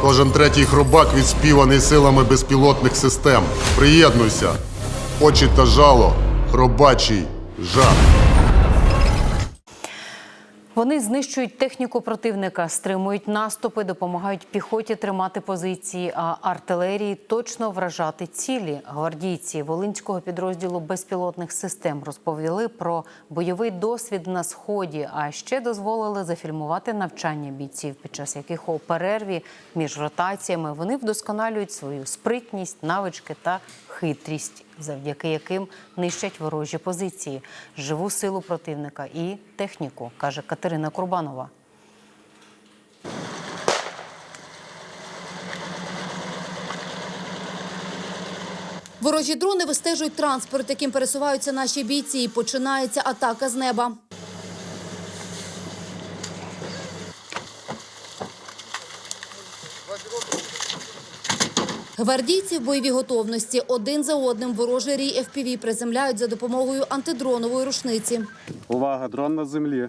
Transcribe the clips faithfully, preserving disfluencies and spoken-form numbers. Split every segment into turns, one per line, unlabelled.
Кожен третій хробак відспіваний силами безпілотних систем. Приєднуйся. Очі та жало. Хробачий жах.
Вони знищують техніку противника, стримують наступи, допомагають піхоті тримати позиції, а артилерії точно вражати цілі. Гвардійці Волинського підрозділу безпілотних систем розповіли про бойовий досвід на Сході, а ще дозволили зафільмувати навчання бійців, під час яких у перерві між ротаціями вони вдосконалюють свою спритність, навички та хитрість, завдяки яким нищать ворожі позиції, живу силу противника і техніку, каже Катерина Курбанова.
Ворожі дрони вистежують транспорт, яким пересуваються наші бійці, і починається атака з неба. Гвардійці в бойовій готовності. Один за одним ворожий рій еф пі ві приземляють за допомогою антидронової рушниці.
Увага, дрон на землі.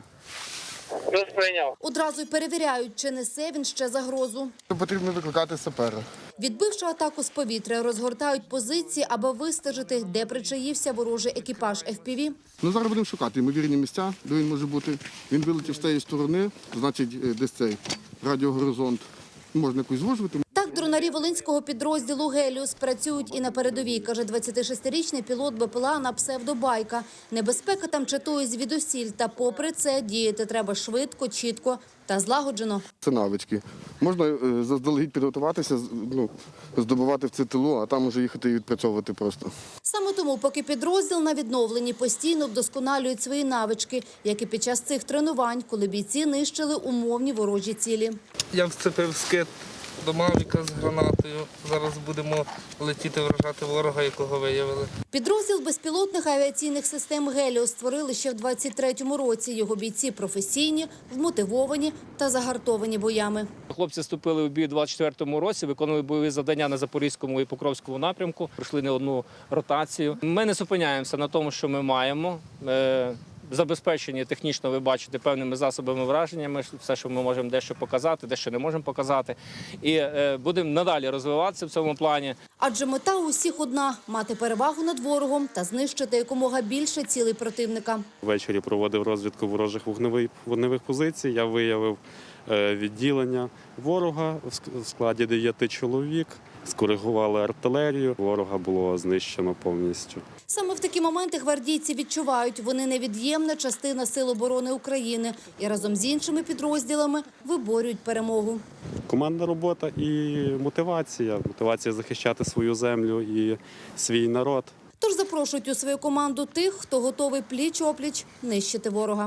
Одразу й перевіряють, чи несе він ще загрозу.
Потрібно викликати сапера.
Відбивши атаку з повітря, розгортають позиції, аби вистежити, де причаївся ворожий екіпаж еф пі ві.
Ну, зараз будемо шукати ймовірні місця, де він може бути. Він вилетів з цієї сторони, значить, десь цей радіогоризонт. Можна якусь звужувати.
Так, дронарі Волинського підрозділу «Геліус» працюють і на передовій, каже двадцятишестирічний пілот be пе ел а на псевдобайка. Небезпека там чатує звідусіль, та попри це діяти треба швидко, чітко та злагоджено.
Це навички. Можна е, заздалегідь підготуватися, ну, здобувати в це тилу, а там уже їхати і відпрацьовувати просто.
Саме тому, поки підрозділ на відновленні, постійно вдосконалюють свої навички, як і під час цих тренувань, коли бійці нищили умовні ворожі цілі.
Я вцепив скид до Мавіка з гранатою. Зараз будемо летіти вражати ворога, якого виявили.
Підрозділ безпілотних авіаційних систем «Геліус» створили ще в двадцять третьому році. Його бійці професійні, вмотивовані та загартовані боями.
Хлопці вступили в бій у двадцять четвертому році, виконували бойові завдання на Запорізькому і Покровському напрямку, пройшли не одну ротацію. Ми не зупиняємося на тому, що ми маємо. Забезпечені технічно, ви бачите, певними засобами враженнями, все, що ми можемо дещо показати, дещо не можемо показати. І е, будемо надалі розвиватися в цьому плані.
Адже мета у всіх одна – мати перевагу над ворогом та знищити якомога більше цілей противника.
Ввечері проводив розвідку ворожих вогневих, вогневих позицій. Я виявив е, відділення ворога в складі дев'яти чоловік. Скоригували артилерію, ворога було знищено повністю.
Саме в такі моменти гвардійці відчувають, вони невід'ємна частина Сил оборони України і разом з іншими підрозділами виборюють перемогу.
Командна робота і мотивація. Мотивація захищати свою землю і свій народ.
Тож запрошують у свою команду тих, хто готовий пліч-опліч нищити ворога.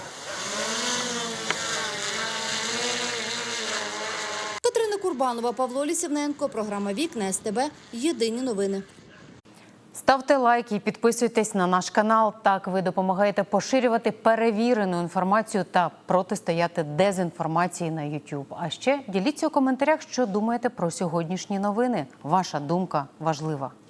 Катерина Курбанова, Павло Лісівненко, програма «Вікна ес те бе», єдині новини.
Ставте лайки і підписуйтесь на наш канал. Так ви допомагаєте поширювати перевірену інформацію та протистояти дезінформації на ютуб. А ще діліться у коментарях, що думаєте про сьогоднішні новини. Ваша думка важлива.